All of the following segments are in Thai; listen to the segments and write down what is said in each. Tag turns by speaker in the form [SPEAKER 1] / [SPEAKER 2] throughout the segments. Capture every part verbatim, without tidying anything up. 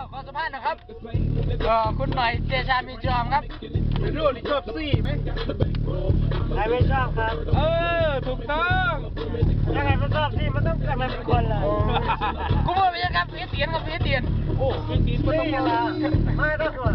[SPEAKER 1] ขอสัมภาษณ์นะครับเอ่อคุณหน่อยเจชามีจอมครับเป็นรุ่นที่ชอบซี่ไหม
[SPEAKER 2] ใครไม่ชอบครับ
[SPEAKER 1] เออถูกต้อง
[SPEAKER 2] ยังไงไม่ชอบซี่มันต้องกันเป็นคนเลย
[SPEAKER 1] กูบอกไปยังครับพี่เตียนครับพี่เตียนโอ้พี่เตียนก็ต้องมา
[SPEAKER 2] ไม่ต้องส่วน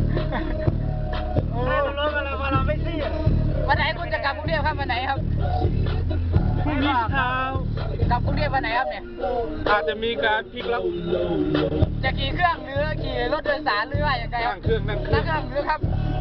[SPEAKER 2] ไม่ต้องรู้กันเลยว่าเราไม่ซี่
[SPEAKER 1] วันไหนคุณจะกลับกรุงเทพครับวันไหนครับ
[SPEAKER 2] พรุ่งนี้เช้าก
[SPEAKER 1] ลับกรุงเทพวันไหนครับเนี่ย
[SPEAKER 3] อาจจะมีการพลิกล็อก
[SPEAKER 1] จะขี่เครื่องหรือขี่รถโดยสารหรือว่าอย่างไรครับ
[SPEAKER 3] นั่งเครื่องนั่งเครื่
[SPEAKER 1] นั่
[SPEAKER 3] อง
[SPEAKER 1] งเครื่องหรือครับ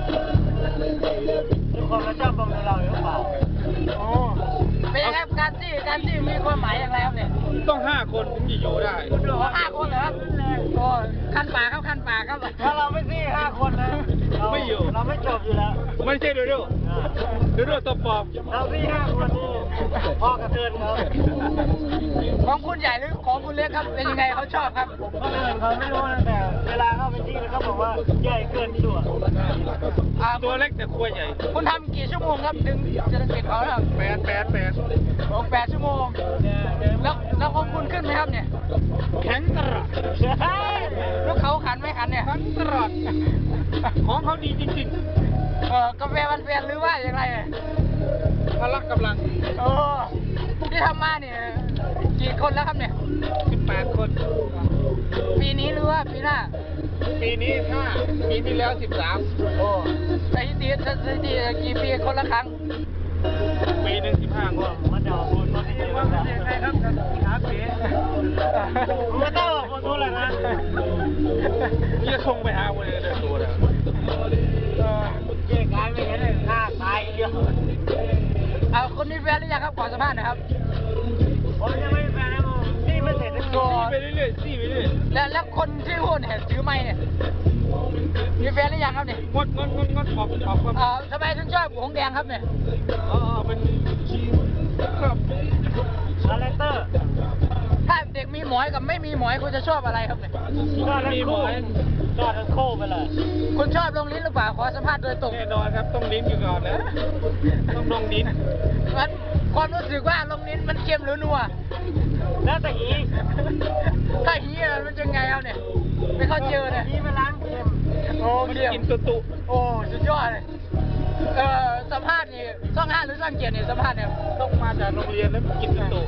[SPEAKER 2] ทุกคนมาชอบบังเราหรือเปล่า
[SPEAKER 1] โอ้เป็นยังไงการจี้การจี้มีความหมายอย่างไรครับเนี่ย
[SPEAKER 3] ต้องห้าคนถึงจะอยู่ได้
[SPEAKER 1] คุณดูห้าคนเหรอครับโอ้ขั้นป่าครับขั้นป่าครับ
[SPEAKER 2] ถ้าเราไม่ซี่ห้าคนนะ
[SPEAKER 3] ไม่อยู่
[SPEAKER 2] เราไม่จบอยู่แล้ว
[SPEAKER 3] ไม่ใช่ดูดูดูดูตัวปลอม
[SPEAKER 2] เราซี่ห้าคนนี่พ่อกระเทือนครับ
[SPEAKER 1] ของคุณใหญ่หรือของคุณเล็กครับเป็นยังไงเขาชอบครับ
[SPEAKER 2] คนอื่นเขาไม่รู้นะแต่เวลาเข้าไปที่เขาบอกว่าใหญ่เกินตัว
[SPEAKER 3] ตัวเล็กแต่ขั้วใหญ่
[SPEAKER 1] คุณทำกี่ชั่วโมงครับถึงจะได้เก็บเขาครับ
[SPEAKER 3] แปดแปดแปด
[SPEAKER 1] โอ้แปดชั่วโมงแล้วแล้วของคุณขึ้นไหมครับเนี่ย
[SPEAKER 3] แข็งตลอด
[SPEAKER 1] แล้วเขาขันไหมขันเนี่ย
[SPEAKER 3] แข็งตลอดของเขาดีจริง
[SPEAKER 1] ๆเออกาแฟมันเปลี่ยนหรือว่าอย่างไร
[SPEAKER 3] พละกำลัง
[SPEAKER 1] โอ้ที่ทำมาเนี่ยกี่คนแล้วครับเนี่ย
[SPEAKER 3] สิบแปดคน
[SPEAKER 1] ปีนี้หรือว่าปีหน้า
[SPEAKER 3] ปีนี้ห้าปีที่แล้วสิบสาม
[SPEAKER 1] โอ้สถิติสถิติกี่ปีคนละครั้ง
[SPEAKER 3] ปีหนึ่งสิบห้าคน
[SPEAKER 2] มันจะออกคนที่ดีว่าเป็นยังไงครับขาเป๋ไม่ต้องออกคนทุกเลยนะ
[SPEAKER 3] จะส่งไปหาคนเลยตัวเดียว
[SPEAKER 2] เจ๊กายไม่เห็นเลยฆ่าตายเยอะ
[SPEAKER 1] เอาคนมีแฟนหรือยังครับขอสัมภาษณ์หน่อยครับ
[SPEAKER 2] ผมยังไม่มีแฟนนะผมนี่ไม่เสร็จเลย
[SPEAKER 3] ไปเรื่อยๆซี่ไปเรื่อย
[SPEAKER 1] แล้วแล้วคนที่พูดเนี่ยถือไม้เนี่ยมีแฟนหรือยังครับเนี่ย
[SPEAKER 3] งดงดงดงดออกออก
[SPEAKER 1] อ่าทำไมถึงชอบหงแดงครับเนี่ย
[SPEAKER 3] อ๋อเป็นครับ
[SPEAKER 2] คาแรคเตอร์
[SPEAKER 1] ถ้าเด็กมีหมอยกับไม่มีหมอยคุณจะชอบอะไรครับเนี่ย
[SPEAKER 2] ชอบทั้งคู่ชอบทั้งคู่ไปเลย
[SPEAKER 1] คุณชอบลงลิ้นหรือเปล่าขอสัมภาษณ์โดยตรง
[SPEAKER 3] แน่นอนครับต้องลิ้นอยู่ก่อนนะต้องลงลิ้น
[SPEAKER 1] มันความรู้สึกว่าลงลิ้นมันเค็มหรือนัว
[SPEAKER 2] แล้วแต่อี
[SPEAKER 1] ถ้าฮีมันจะไงครับเนี่ยไม่เข้าเจอเนี่ย
[SPEAKER 2] ฮีมันล้างเค็ม
[SPEAKER 1] โอ้
[SPEAKER 3] มันกินตุตุ
[SPEAKER 1] โอ้สุดยอดเลยเอ่อสัมภาษณ์นี่ช่องห้าหรือช่องเจ็ดเนี่ยสัมภาษณ์เนี่ย
[SPEAKER 3] ต้องมาจากโรงเรียนแล้วกินตุตุ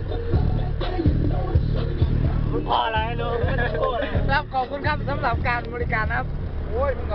[SPEAKER 2] คุณพ่ออะไรรู้ไม่ต้องพูด
[SPEAKER 1] ครับขอบคุณครับสำหรับการบริการนะครับโอ้ย